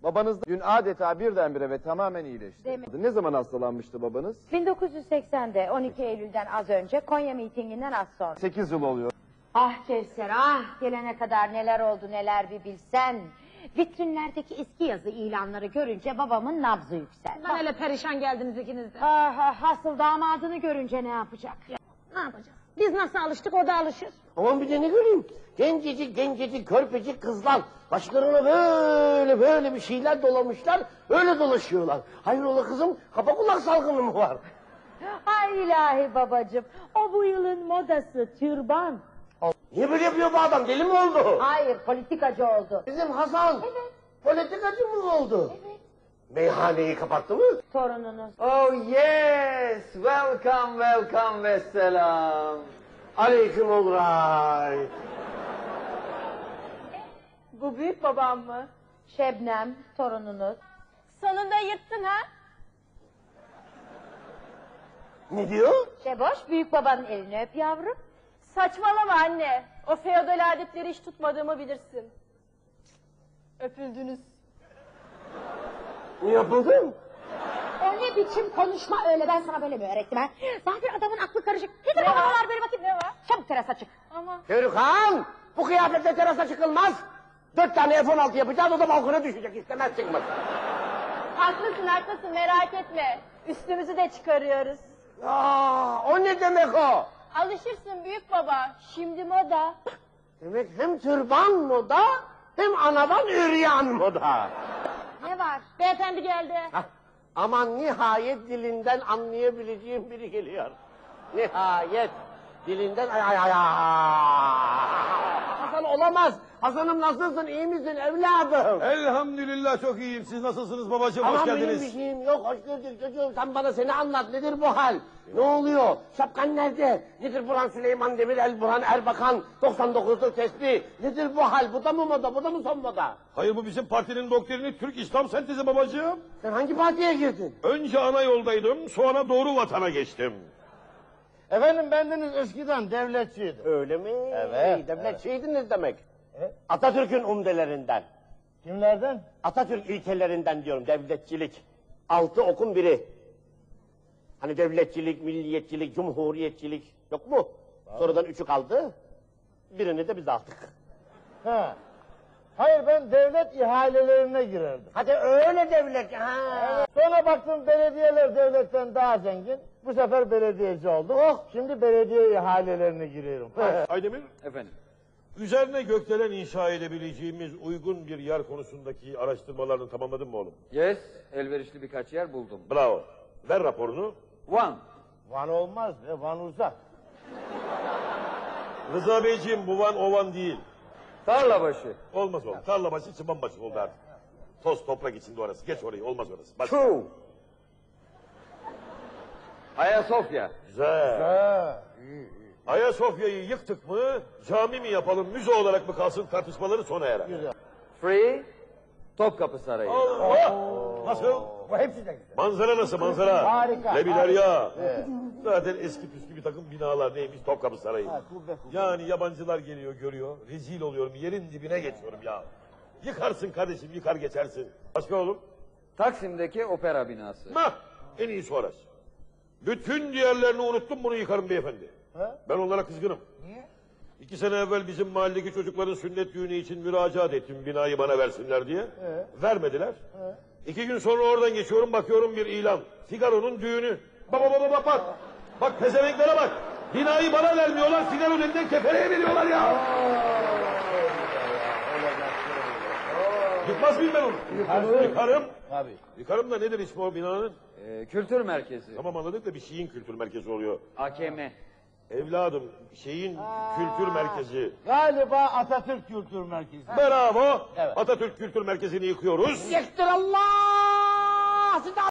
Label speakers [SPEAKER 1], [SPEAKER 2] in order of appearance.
[SPEAKER 1] Babanız dün adeta birdenbire ve tamamen iyileşti.
[SPEAKER 2] Değil mi?
[SPEAKER 1] Ne zaman hastalanmıştı babanız?
[SPEAKER 2] 1980'de 12 Eylül'den az önce, Konya mitinginden az sonra.
[SPEAKER 1] 8 yıl oluyor.
[SPEAKER 2] Ah Kevser, ah, gelene kadar neler oldu neler bir bilsen. Vitrinlerdeki eski yazı ilanları görünce babamın nabzı yükseldi.
[SPEAKER 3] Ben öyle perişan geldiniz ikiniz de.
[SPEAKER 2] Ah, ah, hasıl damadını görünce ne yapacak?
[SPEAKER 3] Ne yapacağız? Biz nasıl alıştık o da alışır.
[SPEAKER 4] Aman bir de ne göreyim? Gencecik, körpecik kızlar. Başlarına böyle bir şeyler dolamışlar. Öyle dolaşıyorlar. Hayrola kızım, kapa kulak salgını mı var?
[SPEAKER 2] Ay ilahi babacığım, o bu yılın modası türban.
[SPEAKER 4] Niye böyle yapıyor bu adam? Deli mi oldu?
[SPEAKER 2] Hayır, politikacı oldu.
[SPEAKER 4] Bizim Hasan.
[SPEAKER 2] Evet.
[SPEAKER 4] Politikacı mı oldu?
[SPEAKER 2] Evet.
[SPEAKER 4] Meyhaneyi kapattı mı?
[SPEAKER 2] Torununuz.
[SPEAKER 1] Oh yes! Welcome ve selam.
[SPEAKER 4] Aleyküm olray.
[SPEAKER 3] Bu büyük babam mı?
[SPEAKER 2] Şebnem, torununuz.
[SPEAKER 3] Sonunda yırttın ha?
[SPEAKER 4] Ne diyor?
[SPEAKER 2] Şeboş, büyük babanın elini öp yavrum.
[SPEAKER 3] Saçmalama anne. O feodal adetleri hiç tutmadığımı bilirsin. Öpüldünüz.
[SPEAKER 4] Ne yapıldı?
[SPEAKER 2] O ne biçim konuşma öyle, ben sana böyle mi öğrettim ha? Zaten adamın aklı karışık. Nedir
[SPEAKER 3] Ne
[SPEAKER 2] o
[SPEAKER 3] var?
[SPEAKER 2] havalar böyle bakayım?
[SPEAKER 3] Ne var?
[SPEAKER 2] Çabuk terasa çık.
[SPEAKER 3] Ama
[SPEAKER 4] Körükan! Bu kıyafetle terasa çıkılmaz. 4 tane F-16 yapacağız, o da balkona düşecek. İstemez çıkmak.
[SPEAKER 3] haklısın merak etme. Üstümüzü de çıkarıyoruz.
[SPEAKER 4] Aa, o ne demek o?
[SPEAKER 3] Alışırsın büyük baba. Şimdi moda.
[SPEAKER 4] Demek hem türban moda, hem anadan üryan moda.
[SPEAKER 2] Ne var?
[SPEAKER 3] Beyefendi geldi.
[SPEAKER 4] Hah, aman nihayet dilinden anlayabileceğim biri geliyor. Nihayet dilinden ay. Hasan olamaz. Hasan'ım nasılsın, iyi misin evladım?
[SPEAKER 5] Elhamdülillah çok iyiyim. Siz nasılsınız babacığım? Hoş
[SPEAKER 4] Aman benim bir
[SPEAKER 5] geldiniz.
[SPEAKER 4] şeyim yok, hoş gördük çocuğum. Sen bana seni anlat, nedir bu hal? Ne oluyor? Şapkan nerede? Nedir Burhan Süleyman Demirel, Burhan Erbakan, 99'luk tesbih? Nedir bu hal? Bu da mı moda, bu da mı son moda?
[SPEAKER 5] Hayır, bu bizim partinin doktrini, Türk İslam Sentezi babacığım.
[SPEAKER 4] Sen hangi partiye girdin?
[SPEAKER 5] Önce ana yoldaydım, sonra doğru vatana geçtim.
[SPEAKER 6] Efendim bendeniz eskiden devletçiydi.
[SPEAKER 4] Öyle mi?
[SPEAKER 6] Evet,
[SPEAKER 4] Devletçiydiniz demek. Atatürk'ün umdelerinden.
[SPEAKER 6] Kimlerden?
[SPEAKER 4] Atatürk ilkelerinden diyorum, devletçilik. 6 okun biri. Hani devletçilik, milliyetçilik, cumhuriyetçilik yok mu? Sonradan 3'ü kaldı. Birini de biz aldık.
[SPEAKER 6] Ha. Hayır, ben devlet ihalelerine girerdim.
[SPEAKER 4] Hadi öyle devlet. Ha.
[SPEAKER 6] Sonra baktım belediyeler devletten daha zengin. Bu sefer belediyeci oldum. Oh, şimdi belediye ihalelerine giriyorum.
[SPEAKER 5] Aydemir,
[SPEAKER 1] Efendim.
[SPEAKER 5] üzerine gökdelen inşa edebileceğimiz uygun bir yer konusundaki araştırmalarını tamamladın mı oğlum?
[SPEAKER 1] Yes, elverişli birkaç yer buldum.
[SPEAKER 5] Bravo. Ver raporunu.
[SPEAKER 1] Van.
[SPEAKER 6] Van olmaz be, Van uzak.
[SPEAKER 5] Rıza Beyciğim, bu Van o Van değil.
[SPEAKER 1] Tarlabaşı.
[SPEAKER 5] Olmaz oğlum. Tarlabaşı, çıbanbaşı oldu artık. Toz toprak içinde orası. Geç orayı, olmaz orası. Bak.
[SPEAKER 1] True. Ayasofya.
[SPEAKER 5] Güzel.
[SPEAKER 6] Ha.
[SPEAKER 5] Ayasofya'yı yıktık mı, cami mi yapalım, müze olarak mı kalsın tartışmaları sona erer.
[SPEAKER 1] Free. Topkapı Sarayı.
[SPEAKER 5] Allah! Nasıl?
[SPEAKER 6] Bu hepsi de güzel.
[SPEAKER 5] Manzara nasıl manzara?
[SPEAKER 6] Harika,
[SPEAKER 5] Lebiler ya. Zaten eski püskü bir takım binalar neymiş Topkapı Sarayı.
[SPEAKER 6] kubbe.
[SPEAKER 5] Yani yabancılar geliyor görüyor, rezil oluyorum, yerin dibine geçiyorum ya. Yıkarsın kardeşim, yıkar geçersin. Başka oğlum?
[SPEAKER 1] Taksim'deki opera binası.
[SPEAKER 5] En iyisi orası. Bütün diğerlerini unuttum, bunu yıkarım beyefendi.
[SPEAKER 6] Ha?
[SPEAKER 5] Ben onlara kızgınım.
[SPEAKER 6] Niye?
[SPEAKER 5] 2 sene evvel bizim mahalledeki çocukların sünnet düğünü için müracaat ettim binayı bana versinler diye. Vermediler. 2 gün sonra oradan geçiyorum, bakıyorum bir ilan. Figaro'nun düğünü. Bak. Bak pezevenklere bak. Binayı bana vermiyorlar, Figaro'nun elinden kefereye veriyorlar ya. Yıkmaz mıyım ben onu? Yıkarım.
[SPEAKER 6] Tabii.
[SPEAKER 5] Yıkarım da nedir ismi o binanın?
[SPEAKER 1] Kültür merkezi.
[SPEAKER 5] Tamam anladık da bir şeyin kültür merkezi oluyor.
[SPEAKER 1] AKM.
[SPEAKER 5] Evladım şeyin kültür merkezi.
[SPEAKER 6] Galiba Atatürk Kültür Merkezi.
[SPEAKER 5] Bravo.
[SPEAKER 6] Evet.
[SPEAKER 5] Atatürk Kültür Merkezi'ni yıkıyoruz.
[SPEAKER 4] Yektir Allah!